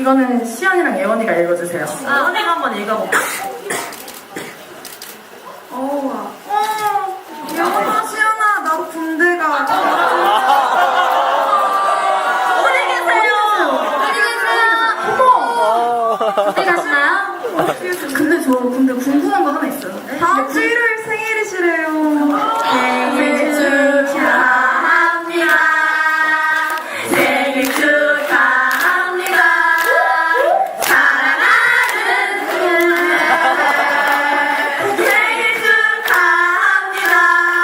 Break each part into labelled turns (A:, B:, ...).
A: 이거는 시연이랑 예원이가 읽어주세요. 예원이가 한번 읽어볼까? 예원아, 시연아, 나도 군대 가.
B: 어디 계세요? 어디 가시나요?
A: 근데 저 근데 궁금한 거 하나 있어요. 다음 주 일요일 생일이시래요. 생일 축하합니다. 생일 축하합니다. 사랑하는 생일 축하합니다.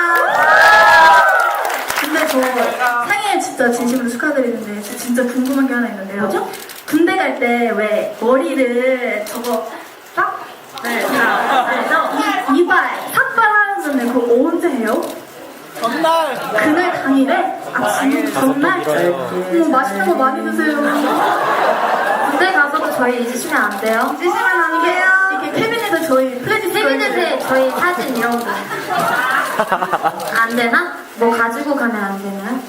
A: 근데 저 생일 진짜 진심으로 축하드리는데 저 진짜 궁금한 게 하나 있는데요. 뭐죠? 군대 갈 때 왜 머리를 저거 딱? 네, 이발, 삭발 하는 전에 그거 언제 해요?
C: 전날!
A: 그날 당일에? 아침 전날? 맛있는 거 많이 드세요.
B: 군대 가서도 저희 잊으시면 안 돼요.
A: 찌시면 안 돼요. 이렇게 캐비넷에 저희 플래지
B: 캐비넷에 저희 사진 이런 거. 안 되나? 뭐 가지고 가면 안 되나요?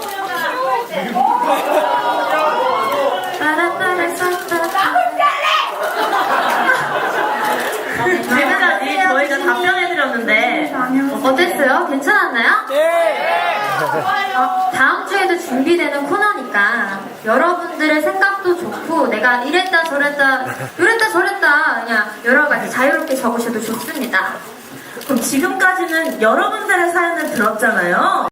A: 지금까지 저희가 답변해드렸는데
B: 어땠어요? 괜찮았나요?
C: 네!
B: 다음 주에도 준비되는 코너니까 여러분들의 생각도 좋고 내가 이랬다 저랬다 그냥 여러 가지 자유롭게 적으셔도 좋습니다.
A: 그럼 지금까지는 여러분들의 사연을 들었잖아요.